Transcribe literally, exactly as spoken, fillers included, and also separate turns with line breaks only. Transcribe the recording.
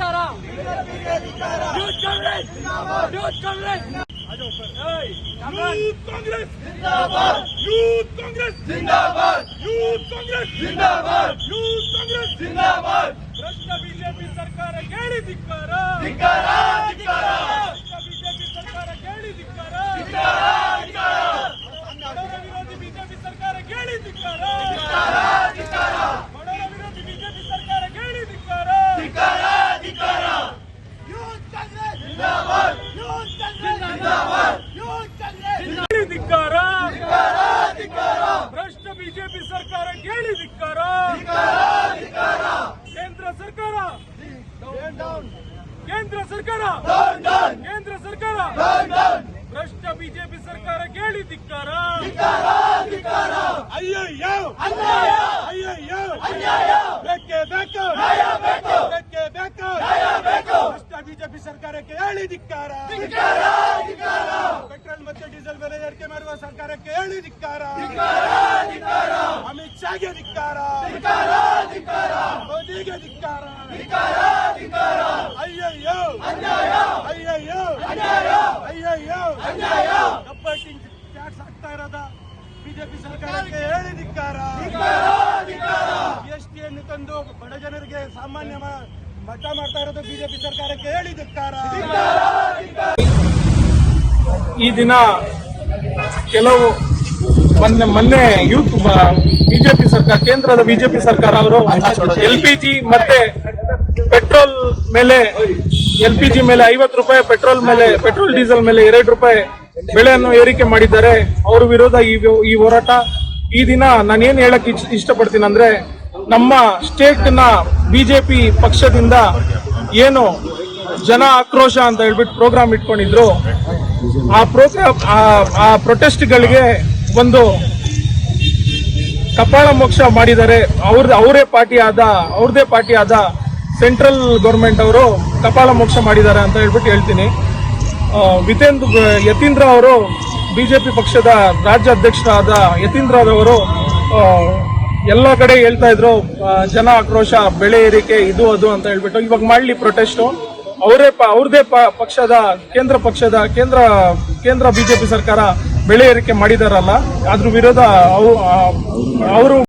Youth Congress youth Congress youth Congress ಜಿಂದಾಬಾದ್ youth Congress ಜಿಂದಾಬಾದ್ youth Congress ಜಿಂದಾಬಾದ್ ಯೂತ್ ಕಾಂಗ್ರೆಸ್ ಜಿಂದಾಬಾದ್ ಭ್ರಷ್ಟ ಬಿಜೆಪಿ ಸರ್ಕಾರ ಕೇಳಿ ಧಿಕ್ಕಾರ ಧಿಕ್ಕಾರ ಧಿಕ್ಕಾರ ಭ್ರಷ್ಟ ಬಿಜೆಪಿ ಸರ್ಕಾರ ಕೇಳಿ ಧಿಕ್ಕಾರ ಧಿಕ್ಕಾರ ಧಿಕ್ಕಾರ ಬಡವರ ವಿರೋಧಿ ಬಿಜೆಪಿ ಸರ್ಕಾರ ಕೇಳಿ ಧಿಕ್ಕಾರ ಧಿಕ್ಕಾರ ಧಿಕ್ಕಾರ ಬಡವರ ವಿರೋಧಿ ಬಿಜೆಪಿ ಸರ್ಕಾರ ಕೇಳಿ ಧಿಕ್ಕಾರ ಧಿಕ್ಕಾರ ಧಿಕ್ಕಾರ ಯೂತ್ ಕಾಂಗ್ರೆಸ್ ಜಿಂದಾಬಾದ್ ಯೂತ್ ಕಾಂಗ್ರೆಸ್ ಜಿಂದಾಬಾದ್ ಯೂತ್ ಕಾಂಗ್ರೆಸ್ ಕೇಳಿ ಧಿಕ್ಕಾರ ಧಿಕ್ಕಾರ ಧಿಕ್ಕಾರ ಭ್ರಷ್ಟ ಬಿಜೆಪಿ ಸರ್ಕಾರ ಕೇಳಿ ಧಿಕ್ಕಾರ ಧಿಕ್ಕಾರ ಧಿಕ್ಕಾರ ಕೇಂದ್ರ ಸರ್ಕಾರ ಕೇಂದ್ರ ಸರ್ಕಾರ ಕೇಂದ್ರ ಸರ್ಕಾರ ಭ್ರಷ್ಟ ಬಿಜೆಪಿ ಸರ್ಕಾರ ಕೇಳಿ ಧಿಕ್ಕಾರ ಅಯ್ಯಯ್ಯೋ ಅನ್ಯಾಯ ಅಯ್ಯಯ್ಯೋ ಅನ್ಯಾಯ ಬೇಕೇ ಬೇಕು ನ್ಯಾಯ ಬೇಕು ಬೇಕೇ ಬೇಕು ನ್ಯಾಯ ಬೇಕು ಭ್ರಷ್ಟ ಬಿಜೆಪಿ ಸರ್ಕಾರಕ್ಕೆ ಹೇಳಿ ಧಿಕ್ಕಾರ ಪೆಟ್ರೋಲ್ ಮತ್ತು ಡೀಸೆಲ್ ಬೆಲೆ ಏರಿಕೆ ಮಾಡುವ ಸರ್ಕಾರಕ್ಕೆ ಹೇಳಿ ಧಿಕ್ಕಾರ ಅಮಿತ್ ಶಾಗೆ ಧಿಕ್ಕಾರ ಮೋದಿಗೆ ಧಿಕ್ಕಾರ ಅಯ್ಯಯ್ಯೋ ಅನ್ಯಾಯ ಅಯ್ಯಯ್ಯೋ ಅನ್ಯಾಯ ಅಯ್ಯಯ್ಯೋ ಅನ್ಯಾಯ ಕಪ್ಪಟ್ಟಿಂಗ್ ಟ್ಯಾಕ್ಸ್ ಆಗ್ತಾ ಇರೋದ ಬಿಜೆಪಿ ಸರ್ಕಾರಕ್ಕೆ ಹೇಳಿ ಧಿಕ್ಕಾರ ಜಿಎಸ್ಟಿಯನ್ನು ತಂದು ಬಡ ಜನರಿಗೆ ಸಾಮಾನ್ಯ ಮಟ್ಟ ಮಾಡ್ತಾ ಇರೋದು ಬಿಜೆಪಿ ಸರ್ಕಾರಕ್ಕೆ ಹೇಳಿ ಧಿಕ್ಕಾರ.
ಈ ದಿನ ಕೆಲವು ಮೊನ್ನೆ ಮೊನ್ನೆ ಯೂತ್ ಬಿಜೆಪಿ ಸರ್ಕಾರ ಕೇಂದ್ರದ ಬಿಜೆಪಿ ಸರ್ಕಾರ ಅವರು ಎಲ್ ಪಿ ಜಿ ಮತ್ತೆ ಪೆಟ್ರೋಲ್ ಮೇಲೆ ಎಲ್ ಪಿ ಜಿ ಮೇಲೆ ಐವತ್ತು ರೂಪಾಯಿ ಪೆಟ್ರೋಲ್ ಮೇಲೆ ಪೆಟ್ರೋಲ್ ಡೀಸೆಲ್ ಮೇಲೆ ಎರಡು ರೂಪಾಯಿ ಬೆಲೆಯನ್ನು ಏರಿಕೆ ಮಾಡಿದ್ದಾರೆ. ಅವ್ರ ವಿರೋಧ ಈ ಹೋರಾಟ. ಈ ದಿನ ನಾನೇನ್ ಹೇಳಕ್ ಇಷ್ಟಪಡ್ತೀನಿ ಅಂದ್ರೆ, ನಮ್ಮ ಸ್ಟೇಟ್ ನ ಬಿಜೆಪಿ ಪಕ್ಷದಿಂದ ಏನು ಜನ ಆಕ್ರೋಶ ಅಂತ ಹೇಳ್ಬಿಟ್ಟು ಪ್ರೋಗ್ರಾಮ್ ಇಟ್ಕೊಂಡಿದ್ರು, ಆ ಪ್ರೋಗ್ರಾಮ್ ಆ ಪ್ರೊಟೆಸ್ಟ್ ಗಳಿಗೆ ಒಂದು ಕಪಾಳ ಮೋಕ್ಷ ಮಾಡಿದ್ದಾರೆ. ಅವ್ರ ಅವರೇ ಪಾರ್ಟಿ ಆದ ಅವ್ರದೇ ಪಾರ್ಟಿ ಆದ ಸೆಂಟ್ರಲ್ ಗೌರ್ಮೆಂಟ್ ಅವರು ಕಪಾಳ ಮೋಕ್ಷ ಮಾಡಿದ್ದಾರೆ ಅಂತ ಹೇಳ್ಬಿಟ್ಟು ಹೇಳ್ತೀನಿ. ವಿತೇಂದ್ರ ಯತೀಂದ್ರ ಅವರು ಬಿಜೆಪಿ ಪಕ್ಷದ ರಾಜ್ಯ ಅಧ್ಯಕ್ಷರಾದ ಯತೀಂದ್ರ ಅವರು ಎಲ್ಲ ಕಡೆ ಹೇಳ್ತಾ ಇದ್ರು ಜನ ಆಕ್ರೋಶ, ಬೆಳೆ ಏರಿಕೆ, ಇದು ಅದು ಅಂತ ಹೇಳ್ಬಿಟ್ಟು. ಇವಾಗ ಮಾಡ್ಲಿ ಪ್ರೊಟೆಸ್ಟ್. ಅವರೇ ಅವ್ರದೇ ಪಕ್ಷದ ಕೇಂದ್ರ ಪಕ್ಷದ ಕೇಂದ್ರ ಕೇಂದ್ರ ಬಿಜೆಪಿ ಸರ್ಕಾರ ಬೆಳೆ ಏರಿಕೆ ಮಾಡಿದಾರಲ್ಲ, ಅದ್ರ ವಿರೋಧ ಅವರು